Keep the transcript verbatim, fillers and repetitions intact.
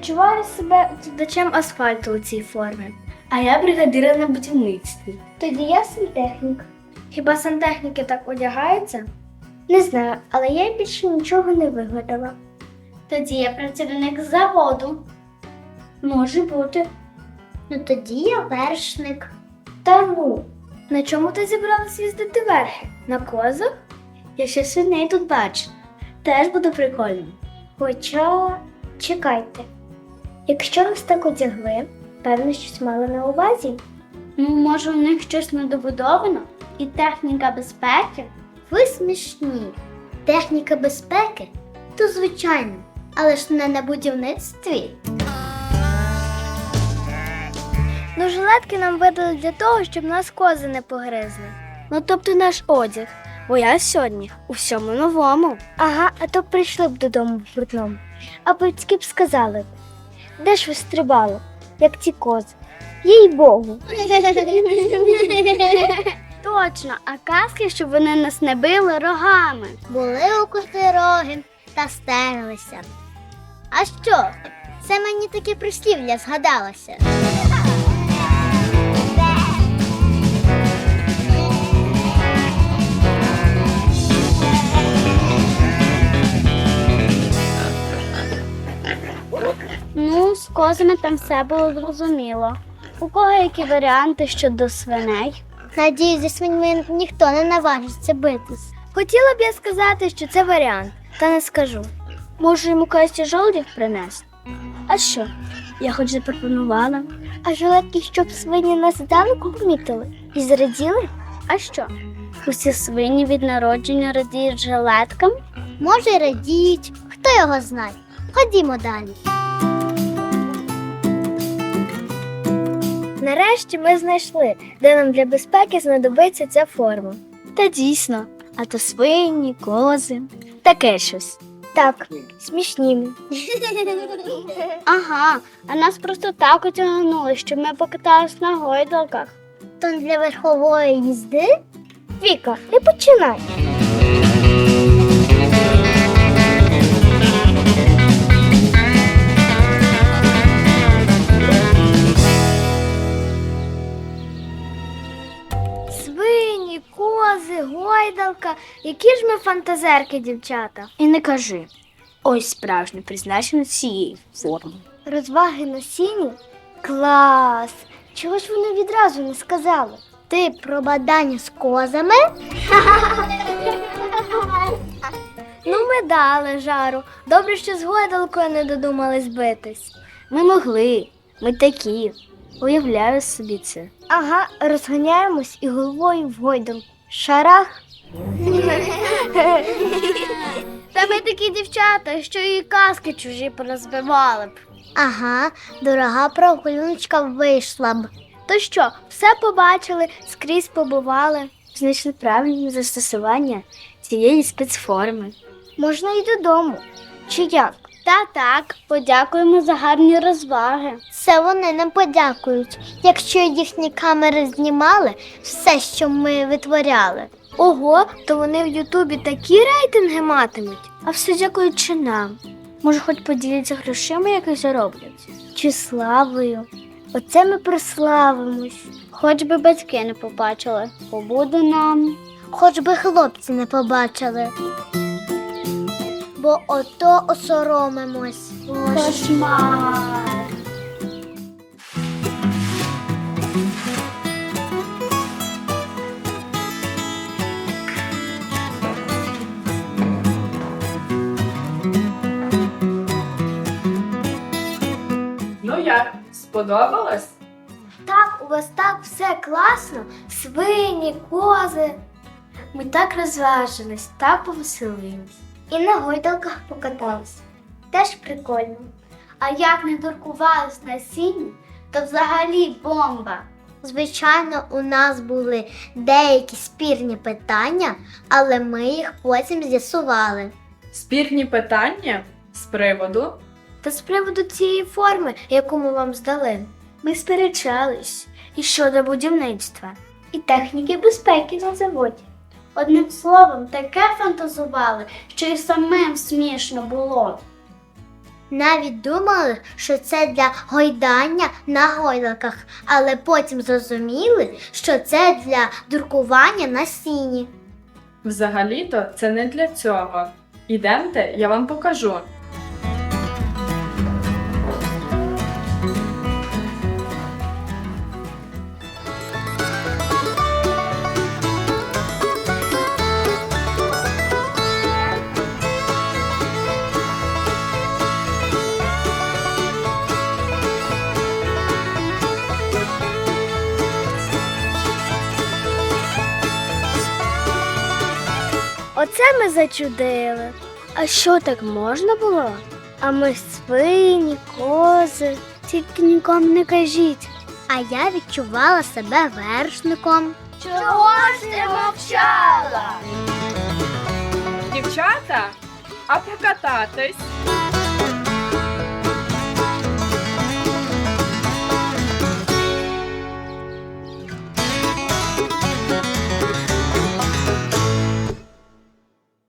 відчуваю себе викладачем асфальту у цій формі, а я бригадира на будівництві. Тоді я сантехнік. Хіба сантехніки так одягаються? Не знаю, але я більше нічого не вигадала. Тоді я працівник заводу. Може бути. Ну тоді я вершник. Та ну, на чому ти зібралась їздити верхи? На козах? Я ще свиней тут бачу. Теж буде прикольно. Хоча, чекайте. Якщо нас так одягли, певно, щось мали на увазі. Ну, може, у них щось недобудовано? І техніка безпеки? Ви смішні. Техніка безпеки? То звичайно, але ж не на будівництві. Ну, жилетки нам видали для того, щоб нас кози не погризли. Ну, тобто наш одяг. Бо я сьогодні у всьому новому. Ага, а то прийшли б додому в брудному. А батьки б сказали, де ж ви стрибали, як ті кози? Їй-богу. Точно, а казки, щоб вони нас не били рогами. Були у коти роги та стерлися. А що? Це мені таке прислів'я згадалося. Ну, з козами там все було зрозуміло. У кого які варіанти щодо свиней? Надіюсь, зі свиньми ніхто не наважиться битись. Хотіла б я сказати, що це варіант, та не скажу. Можу йому кості жолудів принести? А що? Я хоч запропонувала. А жилетки, щоб свині нас здалеку помітили і зраділи? А що? Усі свині від народження радіють жилеткам? Може, й радіють, хто його знає. Ходімо далі. Нарешті ми знайшли, де нам для безпеки знадобиться ця форма. Та дійсно, а то свині, кози, таке щось. Так, смішні. Ага, а нас просто так отягнули, щоб ми покатались на гойдалках. То для верхової їзди? Віка, не починай. Свині, кози, гойдалка. Які ж ми фантазерки, дівчата. І не кажи. Ось справжнє призначення цієї форми. Розваги на сіні? Клас! Чого ж вони відразу не сказали? Ти про бадання з козами? Ну, ми дали жару. Добре, що з гойдалкою не додумались битись. Ми могли. Ми такі. Уявляю собі це. Ага, розганяємось і головою в гойдалку. Шарах. Та ми такі дівчата, що і казки чужі порозбивали б. Ага, дорога прогуляночка вийшла б. То що, все побачили, скрізь побували, знайшли правильне застосування цієї спецформи. Можна й додому. Чи як? Та так, подякуємо за гарні розваги. Це вони нам подякують, якщо їхні камери знімали все, що ми витворяли. Ого, то вони в Ютубі такі рейтинги матимуть. А все дякуючи нам. Може, хоч поділяться грошима, які зароблять? Чи славою. Оце ми прославимось. Хоч би батьки не побачили, побуде нам. Хоч би хлопці не побачили. Бо ото осоромимось. Кошмар! Ну як, сподобалось? Так, у вас так все класно. Свині, кози. Ми так розважились, так повеселились. І на гойдалках покатались. Теж прикольно. А як не дуркувались на сіні, то взагалі бомба. Звичайно, у нас були деякі спірні питання, але ми їх потім з'ясували. Спірні питання з приводу? Та з приводу цієї форми, яку ми вам здали, ми сперечались і щодо будівництва, і техніки безпеки на заводі. Одним словом, таке фантазували, що і самим смішно було. Навіть думали, що це для гойдання на гойдалках, але потім зрозуміли, що це для друкування на сіні. Взагалі-то це не для цього. Ідемте, я вам покажу. Оце ми зачудили. А що так можна було? А ми свині, кози. Тільки нікому не кажіть. А я відчувала себе вершником. Чого ж ти мовчала? Дівчата, а покататись?